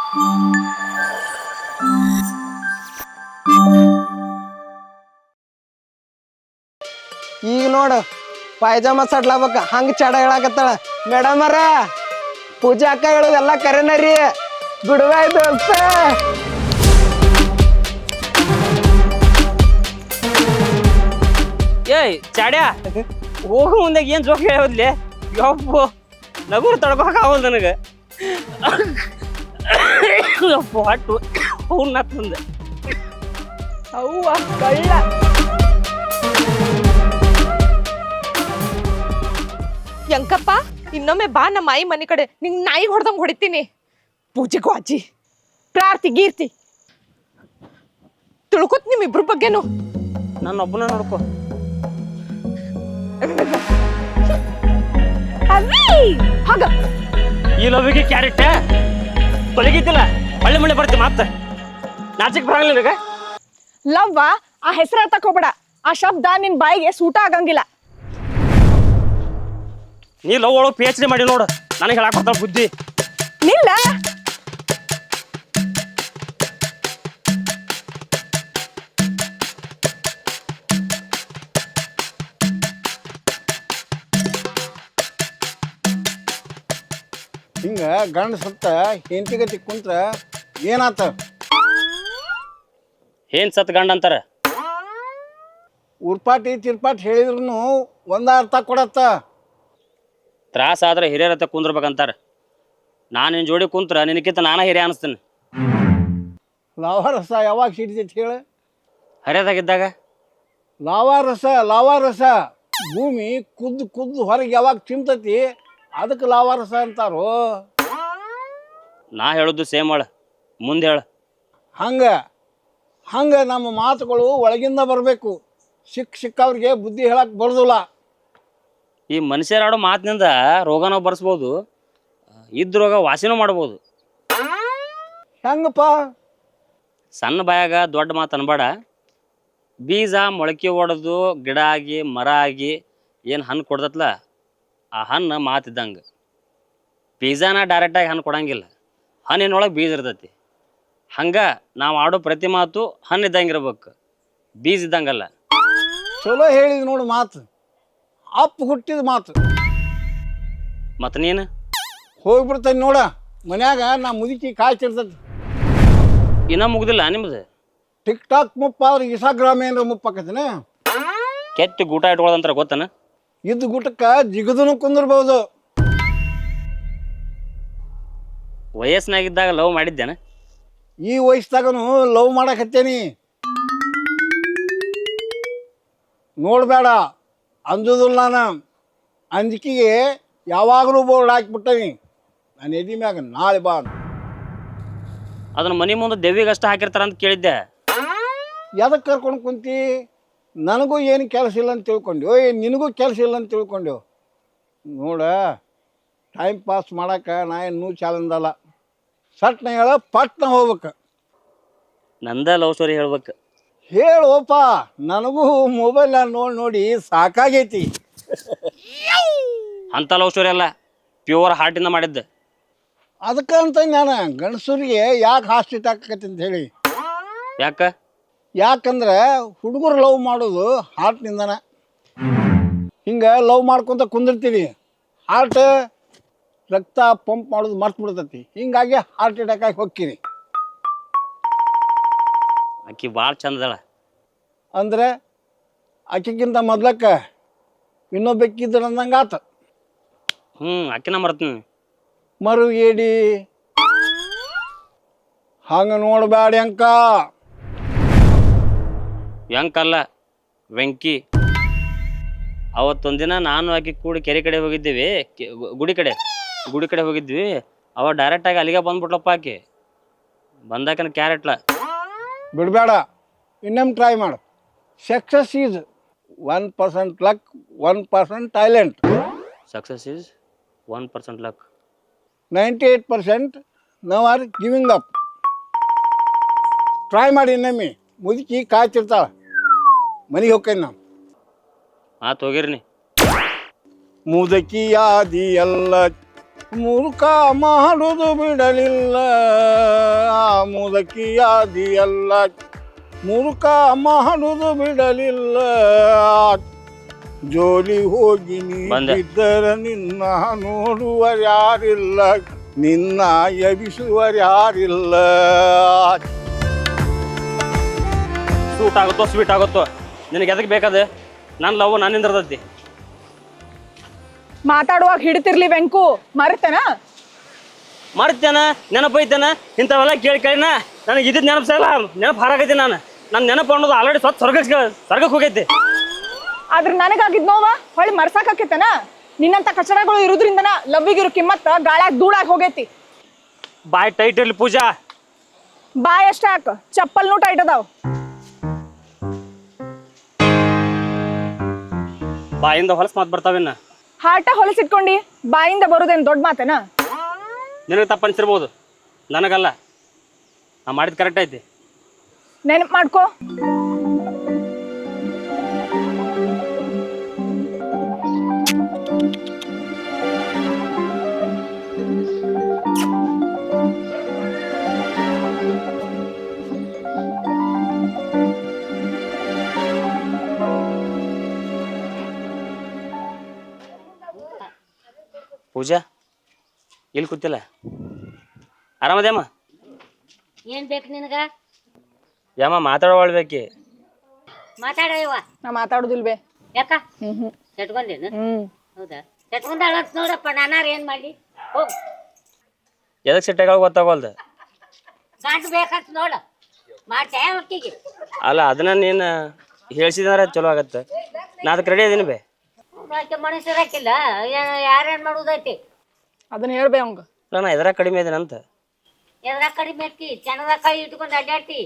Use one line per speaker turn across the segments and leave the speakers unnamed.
ಈಗ ನೋಡು ಪಾಯ್ಜಾಮ ಸಡ್ಲಾಬೇಕ ಹಂಗ ಚಡ ಹೇಳಾಕತ್ತಾಳ. ಮೇಡಮ್ ಅರ ಪೂಜಾ ಅಕ್ಕ ಹೇಳುದೆಲ್ಲ ಕರೆನ ರೀ, ಗುಡ್ಬೈ ದೋಸ್ತ.
ಏಯ್ ಚಾಡ್ಯಾ, ಹೋಗು ಮುಂದೆ ಏನ್ ಜೋಕ್ ಹೇಳೋದ್ಲಿ? ಯಪ್ಪು ನಗುರು ತಡ್ಕೊಕಾವಲ್ ನನಗೆ. ಯಪ್ಪು ಹಟ್ಟು ಅವ್ನ ತಂದೆ
ಅವ್ವ ಕಳ್ಳ.
ಯಂಕಪ್ಪ, ಇನ್ನೊಮ್ಮೆ ಬಾ ನಮ್ಮ ಆಯಿ ಮನೆ ಕಡೆ, ನಿಂಗ್ ನಾಯಿ ಹೊಡೆದಂಗ್ ಹೊಡಿತೀನಿ. ಪೂಜೆಗೂ ಅಜ್ಜಿ ಪ್ರಾರ್ಥಿ ಗೀರ್ತಿ ತಿಳ್ಕೊತ್ ನಿಮ್ಮಿಬ್ರ ಬಗ್ಗೆನು.
ನನ್ನ ಒಬ್ಬನ ನೋಡ್ಕೊ.
ಹಾಗ
ಈ ಲವಿಗೆ ಕ್ಯಾರೆಟ್ ತೊಲಗಿತಿಲ್ಲ, ಒಳ್ಳೆ ಮಳೆ ಬರ್ತಿ ಮತ್ತೆ ನಾಚಿಕ್ ಬರಂಗಿಲ್ಲ ನಿನಗೆ.
ಲವ್ವ, ಆ ಹೆಸರು ತಕೋಬೇಡ. ಆ ಶಬ್ದ ನಿನ್ ಬಾಯಿಗೆ ಸೂಟ ಆಗಂಗಿಲ್ಲ.
ನೀ ಲವ್ ಒಳಗೆ PhD ಮಾಡಿ ನೋಡು, ನನಗೆ ಹೇಳಕ್ ಬರ್ತಾಳ ಬುದ್ಧಿ.
ನಿಲ್ಲ
ಹಿಂಗ ಗಂಡ ಸತ್ತ ಹೆಂಡತಿಗತಿ ಕುಂತ್ರ ಏನಾತ?
ಏನ್ ಸತ್ ಗಂಡ ಅಂತಾರ?
ಉರ್ಪಾಟಿ ತಿರ್ಪಾಟಿ ಹೇಳಿದ್ರು ಒಂದ ಅರ್ಥ ಕೊಡತ್ತ.
ತ್ರಾಸ ಆದ್ರೆ ಹಿರಿಯರತ್ತ ಕುಂದ್ರಬೇಕಂತಾರ. ನಾನು ನಿನ್ ಜೋಡಿ ಕುಂತ್ರ ನಿನಕ್ಕಿಂತ ನಾನ ಹಿರಿಯ ಅನಿಸ್ತೀನಿ.
ಲಾವಾರಸ ಯಾವಾಗ ಸಿಡಿತೈತಿ ಹೇಳ?
ಹರಿಯದಾಗಿದ್ದಾಗ.
ಲಾವಾರಸ ಭೂಮಿ ಕುದ್ದು ಕುದ್ದು ಹೊರಗೆ ಯಾವಾಗ ಚಿಮ್ತತಿ ಅದಕ್ಕೆ ಲಾವಾರಸ ಅಂತಾರೋ.
ನಾ ಹೇಳುದು ಸೇಮ್ ಹೇಳ, ಮುಂದೆ ಹೇಳ.
ಹಂಗ ನಮ್ಮ ಮಾತುಗಳು ಒಳಗಿಂದ ಬರಬೇಕು. ಸಿಕ್ಕವ್ರಿಗೆ ಬುದ್ಧಿ ಹೇಳಕ್ ಬರೋದಿಲ್ಲ.
ಈ ಮನುಷ್ಯರಾಡೋ ಮಾತಿನಿಂದ ರೋಗನೂ ಬರ್ಸ್ಬೋದು, ಇದ್ದ ರೋಗ ವಾಸಿನೂ ಮಾಡ್ಬೋದು.
ಹೆಂಗಪ್ಪ?
ಸಣ್ಣ ಬಾಯಾಗ ದೊಡ್ಡ ಮಾತು ಅನ್ಬೇಡ. ಬೀಜ ಮೊಳಕೆ ಹೊಡೆದು ಗಿಡ ಆಗಿ ಮರ ಆಗಿ ಏನು ಹಣ್ಣು ಕೊಡ್ದತ್ಲ, ಆ ಹಣ್ಣು ಮಾತಿದ್ದಂಗೆ. ಬೀಜನ ಡೈರೆಕ್ಟಾಗಿ ಹಣ್ಣು ಕೊಡಂಗಿಲ್ಲ, ಹಣ್ಣಿನೊಳಗೆ ಬೀಜ ಇರ್ತೈತಿ. ಹಂಗೆ ನಾವು ಆಡೋ ಪ್ರತಿ ಮಾತು ಹಣ್ಣು ಇದ್ದಂಗೆ ಇರ್ಬೇಕು, ಬೀಜ ಇದ್ದಂಗಲ್ಲ.
ಚಲೋ ಹೇಳಿದ್ ನೋಡು ಮಾತು, ಅಪ್ಪ ಹುಟ್ಟಿದ ಮಾತು.
ಮತ್ತು ನೀನು
ಹೋಗ್ಬಿಡ್ತಾನೆ ನೋಡ, ಮನ್ಯಾಗ ನಾ ಮುದುಕಿ ಕಾಯ್ತಿರ್ತೈತಿ.
ಇನ್ನೂ ಮುಗ್ದಿಲ್ಲ ನಿಮ್ದು?
ಟಿಕ್ ಟಾಕ್ ಮುಪ್ಪ ಆದ್ರೆ ಇನ್ಸ್ಟಾಗ್ರಾಮ್ ಏನಾರ ಮುಪ್ಪಾಕತಿನ?
ಕೆತ್ತಿ ಗೂಟ ಇಟ್ಕೊಳ್ಳೋದಂತಾರ ಗೊತ್ತನ?
ಇದ್ದ ಗೂಟಕ್ಕೆ ಜಿಗದನು ಕುಂದಿರ್ಬೋದು.
ವಯಸ್ಸಿನಾಗಿದ್ದಾಗ ಲವ್ ಮಾಡಿದ್ದೇನೆ.
ಈ ವಯಸ್ಸಾಗನು ಲವ್ ಮಾಡಕತ್ತೇನಿ. ನೋಡಬೇಡ ಅಂಜುದಿಲ್ಲ. ನಾನು ಅಂಜಿಕೆಗೆ ಯಾವಾಗಲೂ ಬೋರ್ಡ್ ಹಾಕಿಬಿಟ್ಟನಿ ನಾನು ಎದಿ ಮ್ಯಾಗ, ನಾಳೆ ಬಾ.
ಅದನ್ನ ಮನೆ ಮುಂದೆ ದೆವ್ವಿಗೆ ಅಷ್ಟು ಹಾಕಿರ್ತಾರ ಅಂತ ಕೇಳಿದ್ದೆ.
ಎದಕ್ಕೆ ಕರ್ಕೊಂಡು ಕುಂತಿ? ನನಗೂ ಏನು ಕೆಲಸ ಇಲ್ಲ ಅಂತ ತಿಳ್ಕೊಂಡ್ಯೋ, ನಿನಗೂ ಕೆಲಸ ಇಲ್ಲ ಅಂತ ತಿಳ್ಕೊಂಡ್ಯೋ? ನೋಡ, ಟೈಮ್ ಪಾಸ್ ಮಾಡಕ್ಕೆ ನಾ ಏನು ಚಾಲೆಂಜಲ್ಲ. ಸಟ್ನ ಹೇಳ, ಪಟ್ನ ಹೋಗ್ಬೇಕು.
ನಂದ ಲವ್ ಸ್ಟೋರಿ ಹೇಳ್ಬೇಕು.
ಹೇಳೋಪ, ನನಗೂ ಮೊಬೈಲ್ ನೋಡಿ ಸಾಕಾಗೈತಿ.
ಅಂಥ ಲವ್ ಸ್ಟೋರಿ ಅಲ್ಲ, ಪ್ಯೂರ್ ಹಾರ್ಟಿಂದ ಮಾಡಿದ್ದೆ.
ಅದಕ್ಕಂತ ನಾನು ಗಂಡಸರಿಗೆ ಯಾಕೆ ಹಾಸ್ಟಿಟ್ ಹಾಕಕತ್ತಿ ಅಂತ ಹೇಳಿ. ಯಾಕಂದ್ರೆ ಹುಡುಗರು ಲವ್ ಮಾಡೋದು ಹಾರ್ಟ್ನಿಂದನ. ಹಿಂಗೆ ಲವ್ ಮಾಡ್ಕೊತ ಕುಂದಿರ್ತೀವಿ, ಹಾರ್ಟ್ ರಕ್ತ ಪಂಪ್ ಮಾಡೋದು ಮರ್ತು ಬಿಡ್ತೈತಿ. ಹಿಂಗಾಗಿ ಹಾರ್ಟ್ ಅಟ್ಯಾಕ್ ಆಗಿ ಹೋಗ್ತೀರಿ.
ಆಕಿ ಭಾಳ ಚಂದದಳ.
ಅಂದರೆ ಆಕಿಗಿಂತ ಮೊದ್ಲಕ್ಕೆ ಇನ್ನೊಬ್ಬಕ್ಕಿದ್ರು ಅಂದಂಗೆ ಆತ.
ಆಕಿನ ಮರ್ತೀನಿ.
ಮರುಗೇಡಿ ಹಂಗೆ ನೋಡಬೇಡಿ ಅಂಕ.
ಯಂಕಲ್ಲ, ವೆಂಕಿ. ಅವತ್ತೊಂದಿನ ನಾನು ಆಕಿ ಕೂಡಿ ಕೆರೆ ಕಡೆ ಹೋಗಿದ್ದೀವಿ, ಗುಡಿ ಕಡೆ ಹೋಗಿದ್ವಿ. ಅವ ಡೈರೆಕ್ಟಾಗಿ ಅಲ್ಲಿಗೆ ಬಂದ್ಬಿಟ್ಲಪ್ಪ. ಆಕಿ ಬಂದಾಕನ ಕ್ಯಾರೆಟ್ಲ.
ಬಿಡಬೇಡ, ಇನ್ನೊಮ್ಮೆ ಟ್ರೈ ಮಾಡು. Success is 1% luck, 1% talent.
Success is 1% luck,
98% ನಾವು ಆರ್ ಗಿವಿಂಗ್ ಅಪ್. ಟ್ರೈ ಮಾಡಿ ಇನ್ನೊಮ್ಮೆ. ಮುದುಕಿ ಕಾಯ್ತಿರ್ತಾಳ, ಮನೆಗೆ ಹೋಗ್ತೇನೆ ನಾವು.
ಆತು ಹೋಗಿರ್ನಿ.
ಮುದುಕಿಯಾದಿ ಎಲ್ಲ ಮುರುಕ ಮಾಡುವುದು ಬಿಡಲಿಲ್ಲ ಆ ಮುದಕಿಯಾದಿಯಲ್ಲ ಮುರುಕ ಮಾಡುವುದು ಬಿಡಲಿಲ್ಲ ಜೋಲಿ ಹೋಗಿ
ಬಂದೆ.
ನೀಡಿದ್ದರ ನಿನ್ನ ನೋಡುವರ್ಯಾರಿಲ್ಲ ನಿನ್ನ ಎಬಿಸುವರ್ಯಾರಿಲ್ಲ
ಸೂಟ್ ಆಗುತ್ತೋ ಸ್ವೀಟ್ ಆಗುತ್ತೋ ನಿನಗೆ ಎದಕ್ಕೆ ಬೇಕಾದ ನನ್ನ ಲವ್ ನನ್ನಿಂದ ಇರ್ತೈತಿ.
ಮಾತಾಡುವಾಗ ಹಿಡಿತಿರ್ಲಿ ವೆಂಕು ಮರೆತೇನ
ಮಾಡ್ತೇನ ನೆನಪೈತೇನ ಇಂಥವೆಲ್ಲ ಕೇಳಿ ಕೇಳಿನ ನನಗೆ ಇದ್ದಿದ್ದು ನೆನಪಿಸಲ್ಲ ನೆನಪು ಹಾರಾಗೈತಿ ನಾನು ನನ್ನ ನೆನಪು ಅನ್ನೋದು ಆಲ್ರೆಡಿ ಸ್ವರ್ಗಕ್ಕೆ ಹೋಗೈತಿ.
ಆದ್ರೆ ನನಗಾಗಿದ್ ನೋವ ಹೊಳ್ಳಿ ಮರ್ಸಾಕತ್ತೇನ ನಿನ್ನಂತ ಕಚಡಗಳು ಇರೋದ್ರಿಂದನ ಲವ್ವಿಗಿರೋ ಕಿಮ್ಮತ್ತ ಗಾಳ್ಯಾಗ ಧೂಳಾಗಿ ಹೋಗೈತಿ.
ಬಾಯ್ ಟೈಟ್ ಇರ್ಲಿ ಪೂಜಾ.
ಬಾಯ್ ಅಷ್ಟೇ ಹಾಕ ಚಪ್ಪಲ್ನೂ ಟೈಟ್ ಅದಾವ.
ಬಾಯಿಂದ ಹೊಲಸು ಮಾತು ಬರ್ತಾವೇನ
ಹಾಟ ಹೊಲಸಿಟ್ಕೊಂಡಿ ಬಾಯಿಂದ ಬರೋದೇನ್ ದೊಡ್ಡ ಮಾತೇನ.
ನಿನಗೆ ತಪ್ಪು ಅನ್ಸಿರ್ಬೋದು ನನಗಲ್ಲ. ನಾ ಮಾಡಿದ್ದು ಕರೆಕ್ಟ್ ಐತಿ.
ನೆನಪು ಮಾಡ್ಕೋ.
ಪೂಜಾ ಇಲ್ಲಿ ಕೂತಿಲ್ಲ ಆರಾಮದೇಮ್ಮ?
ಏನ್ ಬೇಕು ನಿನಗ?
ಯಮ್ಮ ಮಾತಾಡೋಳ್ಬೇಕಿ.
ಮಾತಾಡವ.
ನಾ ಮಾತಾಡುದಿಲ್ ಬೇ.
ಯಾಕ ಚಟ್ಕೊಂಡೇನು? ಹೌದಾ ಚಟ್ಕೊಂಡ ನೋಡಪ್ಪ ನಾನಾರ ಏನ್ ಮಾಡ್ಲಿ ಹೋಗ್.
ಎದಕ್ಕೆ ಸಿಟ್ಟಾಗ ಗೊತ್ತಾಗೋಲ್ದು.
ಗಂಟು ಬೇಕಂತ ನೋಡ ಮಾಡ್ತೇ ಒಟ್ಟಿಗೆ.
ಅಲ್ಲ ಅದನ್ನ ನೀನು ಹೇಳ್ಸಿದ್ರೆ ಚಲೋ ಆಗತ್ತೆ. ನಾ ಅದಕ್ಕೆ ರೆಡಿ ಇದೀನಿ ಬೇ.
ಮನುಷ್ಯರು ಹಾಕಿಲ್ಲ ಯಾರೇನ್ ಮಾಡುದೈತಿ
ಅದನ್ನ ಹೇಳ್ಬೇ ಅವಂಗ.
ಇಲ್ಲ ನಾ ಎದ್ರಾಗ ಕಡಿಮೆ ಇದೀನಂತ.
ಎದ್ರಾಗ ಕಡಿಮೆ ಐತಿ ಚಂದದಾಗ ಕೈ ಇಟ್ಕೊಂಡು ಅಡ್ಡಾಡ್ತಿ.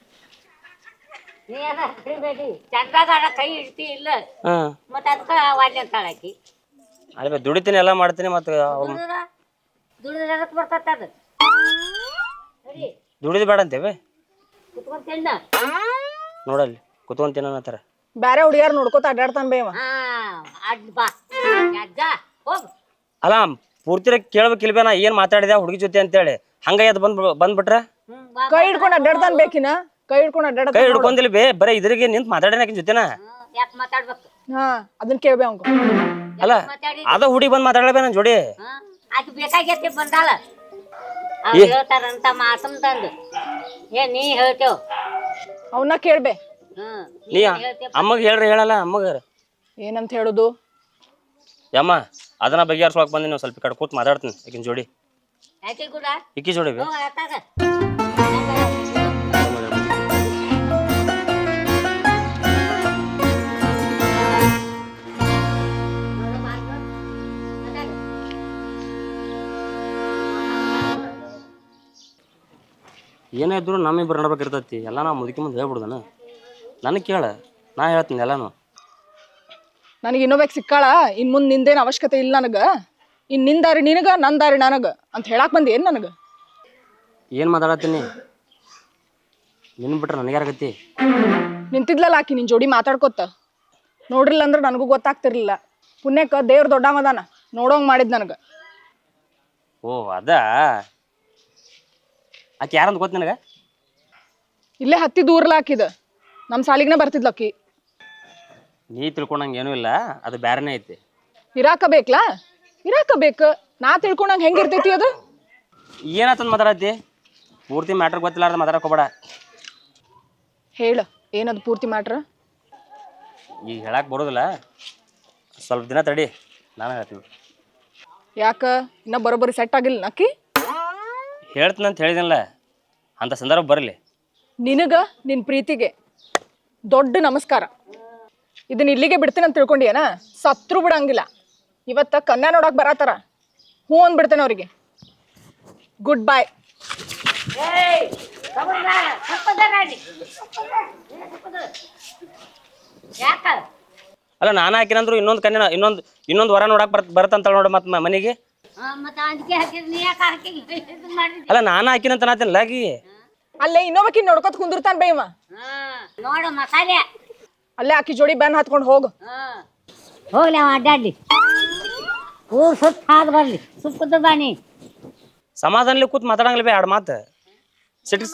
ನೀ ಅದ ಕಡಿಬೇಡಿ ಚಂದಾಗ ಕೈ ಇಡ್ತಿ ಇಲ್ಲ
ಹಾಂ
ಮತ್ತೆ ಅದಕ್ಕೆ ವಾಲ್ಯ ಅಂತಾಳ ಆಕಿ.
ಅಲ್ಲ ದುಡಿತೀನಿ ಎಲ್ಲ ಮಾಡ್ತೀನಿ ಮತ್ತೆ
ದುಡಿದ್ರ ಅದಕ್ಕೆ ಬರ್ತತ್ತ ಅದು. ಸರಿ
ದುಡಿದು ಬೇಡ ಅಂತೇವೆ.
ಕುತ್ಕೊಂಡ್ ತಿನ್ನ.
ನೋಡಲ್ಲಿ ಕುತ್ಕೊಂತೀನಿ ಅನ್ನತ್ತಾರ.
ಬ್ಯಾರೆ ಹುಡುಗಿಯಾರ ನೋಡ್ಕೋತ ಅಡ್ಡಾಡ್ತಾನ ಬೇವ.
ಹಾ ಅಡ್ ಬಾ ಅಜ್ಜ ಹೋಗು.
ಅಲ್ಲ ಪೂರ್ತಿ ಕೇಳ್ಬೇಕಿಲ್ಬೇ ನಾ ಏನು ಮಾತಾಡಿದೆ ಹುಡುಗಿ ಜೊತೆ ಅಂತೇಳಿ ಹಂಗ ಎದ್ದು ಬಂದ್ಬಿಟ್ರೆ
ಕೈ ಹಿಡ್ಕೊಂಡು ಅಡ್ಡಾಡ್ತಾನ ಬೇಕಿನ. ಕೈ ಹಿಡ್ಕೊಂಡು
ಕೈ
ಅಡ್ಡಾಡ್ತಾನ.
ಹಿಡ್ಕೊಂಡಿಲ್ಲ ಬೇ ಬರೀ ಇದ್ರಿಗೆ ನಿಂತು ಮಾತಾಡೇನ ಆಕಿನ ಜೊತೆನ.
ಯಾಕೆ ಮಾತಾಡ್ಬೇಕು?
ಹಾ ಅದನ್ನ ಕೇಳ್ಬೇ ಅವಂಗ.
ಅಲ್ಲ
ಮಾತಾಡಿ
ಅದ ಹುಡುಗಿ ಬಂದು ಮಾತಾಡಬೇ ನನ್ನ ಜೋಡಿ.
ಆಕೆ ಬೇಕಾಗೈತಿ ಬಂದಾಳ ಹೇಳ್ತಾರಂತ ಮಾತಮ್ ತಂದು ಏನ್ ನೀ ಹೇಳ್ತೇವ್.
ಅವನ್ನ ಕೇಳ್ಬೇ.
ನೀ ಅಮ್ಮಗೆ ಹೇಳ್ರಿ ಹೇಳಲ್ಲ ಅಮ್ಮಗ
ಏನಂತ ಹೇಳುದು?
ಯಮ್ಮ ಅದನ್ನ ಬಗೆಹರಿಸೋಕೆ ಬಂದಿ ನೀವು ಸ್ವಲ್ಪ ಕಡೆ ಕೂತ್ ಮಾತಾಡ್ತೀನಿ ಆಕಿನ ಜೋಡಿ.
ಯಾಕೆ ಕೂಡ
ಇಕ್ಕಿ ಜೋಡಿ ಬೇ.
ಆತಾಗ
ಏನೇ ಇದ್ರು ನಮ್ಮಿಬ್ಬರು ನಡ್ಬೇಕಿರ್ತೈತಿ. ಎಲ್ಲ ನಾ ಮುದುಕಿ ಮುಂದೆ ಹೇಳ್ಬಿಡ್ದನ. ನನಗೆ ಕೇಳ ನಾ ಹೇಳ್ತೀನಿ ಎಲ್ಲಾನು.
ನನಗೆ ಇನ್ನೊಬ್ಬಾಕ್ ಸಿಕ್ಕಾಳ ಇನ್ ಮುಂದ್ ನಿಂದೇನು ಅವಶ್ಯಕತೆ ಇಲ್ಲ ನನಗ. ಇನ್ ನಿನ್ ದಾರಿ ನಿನಗ ನನ್ ದಾರಿ ನನಗ ಅಂತ ಹೇಳಾಕ್ ಬಂದಿ ಏನ್ ನನಗ?
ಏನು ಮಾತಾಡತ್ತೀನಿ ನಿನ್ ಬಿಟ್ರೆ ನನಗ್ಯಾರಾಗತ್ತಿ?
ನಿಂತಿದ್ಲಲ್ಲ ಆಕಿ ನಿನ್ ಜೋಡಿ ಮಾತಾಡ್ಕೊತ. ನೋಡ್ರಿಲ್ಲ ಅಂದ್ರೆ ನನಗೂ ಗೊತ್ತಾಗ್ತಿರ್ಲಿಲ್ಲ. ಪುಣ್ಯಕ್ಕ ದೇವ್ರ ದೊಡ್ಡಮದಾನ ನೋಡೋಂಗ್ ಮಾಡಿದ್ ನನಗ.
ಓ ಅದ ಆಕೆ ಯಾರಂತ ಗೊತ್ತ ನನಗೆ?
ಇಲ್ಲೇ ಹತ್ತಿ ದೂರ್ಲ ಹಾಕಿದ ನಮ್ಮ ಸಾಲಿಗ್ನ ಬರ್ತಿದ್ಲ ಆಕಿ.
ನೀ ತಿಳ್ಕೊಂಡಂಗೆ ಏನೂ ಇಲ್ಲ, ಅದು ಬ್ಯಾರನೇ ಐತಿ.
ಇರಾಕ ಬೇಕ್ಲಾ? ಇರಾಕ ಬೇಕು. ನಾ ತಿಳ್ಕೊಂಡಂಗೆ ಹೆಂಗಿರ್ತೈತಿ ಅದು?
ಏನಾತಂದು ಮಾತಾಡತ್ತಿ? ಪೂರ್ತಿ ಮ್ಯಾಟ್ರ್ ಗೊತ್ತಿಲ್ಲಾರ್ದ ಮಾತಾಡಕ್ ಹೋಗ್ಬೇಡ.
ಹೇಳ ಏನದು ಪೂರ್ತಿ ಮ್ಯಾಟ್ರ್?
ಈಗ ಹೇಳಕ್ಕೆ ಬರೋದಿಲ್ಲ, ಸ್ವಲ್ಪ ದಿನ ತಡಿ ನಾನು ಹೇಳ್ತೀನಿ.
ಯಾಕ ಇನ್ನ ಬರೋಬ್ಬರಿ ಸೆಟ್ ಆಗಿಲ್ಲ ನಕ್ಕಿ?
ಹೇಳ್ತೀನಿ ಅಂತ ಹೇಳಿದಿನಲ್ಲ, ಅಂಥ ಸಂದರ್ಭ ಬರಲಿ.
ನಿನಗ ನಿನ್ನ ಪ್ರೀತಿಗೆ ದೊಡ್ಡ ನಮಸ್ಕಾರ. ಇದನ್ನ ಇಲ್ಲಿಗೆ ಬಿಡ್ತೀನಿ ಅಂತ ತಿಳ್ಕೊಂಡಿಯೇನ? ಸತ್ರು ಬಿಡಂಗಿಲ್ಲ. ಇವತ್ತ ಕನ್ಯಾ ನೋಡಕ್ ಬರತ್ತಾರ, ಹ್ಞೂ ಅಂದ್ಬಿಡ್ತೇನೆ ಅವ್ರಿಗೆ. Good bye.
ಅಲ್ಲ ನಾನು ಹಾಕಿನಂದ್ರು ಇನ್ನೊಂದು ಕನ್ಯಾ ಇನ್ನೊಂದು ವರ ನೋಡಕ್ ಬರ್ತಂತ ನೋಡ ಮತ್ತೆ ಮನೆಗೆ. ಅಲ್ಲ ನಾನು ಹಾಕಿನಂತ ನಾತಿನಲ್ಲ ಆಗಿ.
ಅಲ್ಲೇ ಇನ್ನೊಬ್ಬಕಿ ನೋಡ್ಕೊತ ಕುಂದಿರ್ತಾನ ಬೇವ.
ನೋಡು ಮಸಾಲೆ
ಅಲ್ಲೇ ಆಕಿ ಜೋಡಿ ಬೆನ್ ಹತ್ಕೊಂಡು ಹೋಗು.
ಹೋಗ್ಲಿ ಅವ ಅಡ್ಡಾಡ್ಲಿ. ಊರ್ ಸುತ್ತ ಹಾದ್ ಬರ್ಲಿ ಸುತ್ತ ಬಾನಿ
ಸಮಾಧಾನಲಿ ಕೂತ್ ಮಾತಾಡಂಗಿಲ್ಲ ಬೇ ಎರಡು ಮಾತು ಸಿಟಿಕ್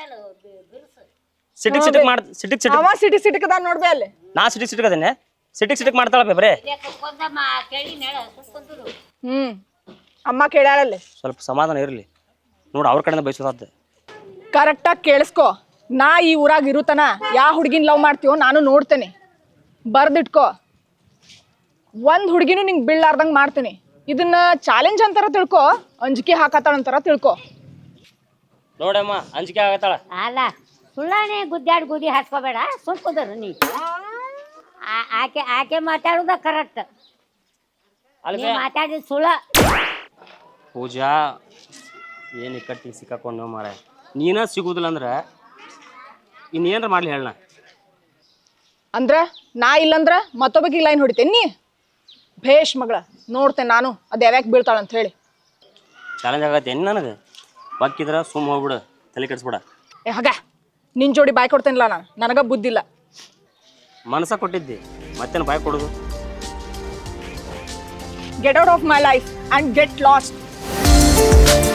ಸಿಟಿಕ್ ಸಿಟಿಕ್ ಮಾಡ್ ಸಿಟಿಕ್ ಸಿಟಿಕ್
ಅವ ಸಿಟಿ ಸಿಟಿಕದ ನೋಡ್ಬೇ ಅಲ್ಲಿ.
ನಾ ಸಿಟಿಕ್ ಸಿಟಿಕ್ ಅದೇನೆ ಸಿಟಿಕ್ ಸಿಟಿಕ್ ಮಾಡ್ತಾಳ ಬೇ ಬರೇ
ಕೇಳಿ ನೆಳ ಸುತ್ಕೊಂಡ್ರು
ಅಮ್ಮ ಕೇಳ್ಯಾಳಲ್ಲಿ.
ಸ್ವಲ್ಪ ಸಮಾಧಾನ ಇರಲಿ ನೋಡು ಅವ್ರ ಕಡೆಯಿಂದ ಬಯಸೋದಾದ
ಕರೆಕ್ಟಾಗಿ ಕೇಳಿಸ್ಕೊ. ನಾ ಈ ಊರಾಗ ಇರುತನ ಯಾವ ಹುಡುಗಿನ ಲವ್ ಮಾಡ್ತೀವೋ ನಾನು ನೋಡ್ತೇನೆ. ಬರ್ದಿಟ್ಕೋ. ಒಂದ್ ಹುಡುಗಿನೂ ನಿಂಗೆ ಬೀಳಾರ್ದಂಗೆ ಮಾಡ್ತೀನಿ. ಇದನ್ನ ಚಾಲೆಂಜ್ ಅಂತಾರ ತಿಳ್ಕೊ, ಅಂಜಿಕೆ ಹಾಕತ್ತಾಳ ಅಂತಾರ ತಿಳ್ಕೊ.
ನೋಡಮ್ಮ ಅಂಜಿಕೆ ಆಗತ್ತಾಳ.
ಅಲ್ಲ ಸುಳ್ಳಾನೆ ಗುದ್ದಾಡಿ ಗುದಿ ಹಾಸ್ಕೋಬೇಡ ಸುಮ್ಕೊಂಡ್ರು ನೀ ಆಕೆ ಆಕೆ ಮಾತಾಡುದ ಕರೆಕ್ಟ್.
ಅಲ್ಲಿ
ನೀ ಮಾತಾಡಿದ ಸುಳ್ಳ.
ಪೂಜಾ ಏನು ಕಟ್ಟಿ ಸಿಕ್ಕಾಕೊಂಡು ಮಾರ ನೀನ ಸಿಗುದಿಲ್ಲ ಅಂದ್ರೆ ಇನ್ನೇನ್ರ ಮಾಡ್ಲಿ ಹೇಳ.
ಅಂದ್ರ ನಾ ಇಲ್ಲಂದ್ರ ಮತ್ತೊಬ್ಬಗೆ ಲೈನ್ ಹೊಡಿತೇನೆ ನೀ. ಭೇಷ್ ಮಗಳ, ನೋಡ್ತೇನೆ ನಾನು ಅದು ಯಾವ್ಯಾಕೆ ಬೀಳ್ತಾಳ ಅಂತ ಹೇಳಿ.
ಚಾಲೆಂಜ್ ಆಗತ್ತೆ ಏನು ನನಗೆ ಬಕ್ಕಿದ್ರ ಸುಮ್ಮ ಹೋಗ್ಬಿಡು, ತಲೆ ಕೆಡಿಸ್ಬಿಡ.
ಹಾಗ ನಿನ್ ಜೋಡಿ ಬಾಯ್ ಕೊಡ್ತೇನಿಲ್ಲ ನಾನು, ನನಗ ಬುದ್ಧಿಲ್ಲ.
ಮನಸ್ಸ ಕೊಟ್ಟಿದ್ದಿ ಮತ್ತೇನು ಬಾಯ್ ಕೊಡೋದು.
Get out of my life and get last.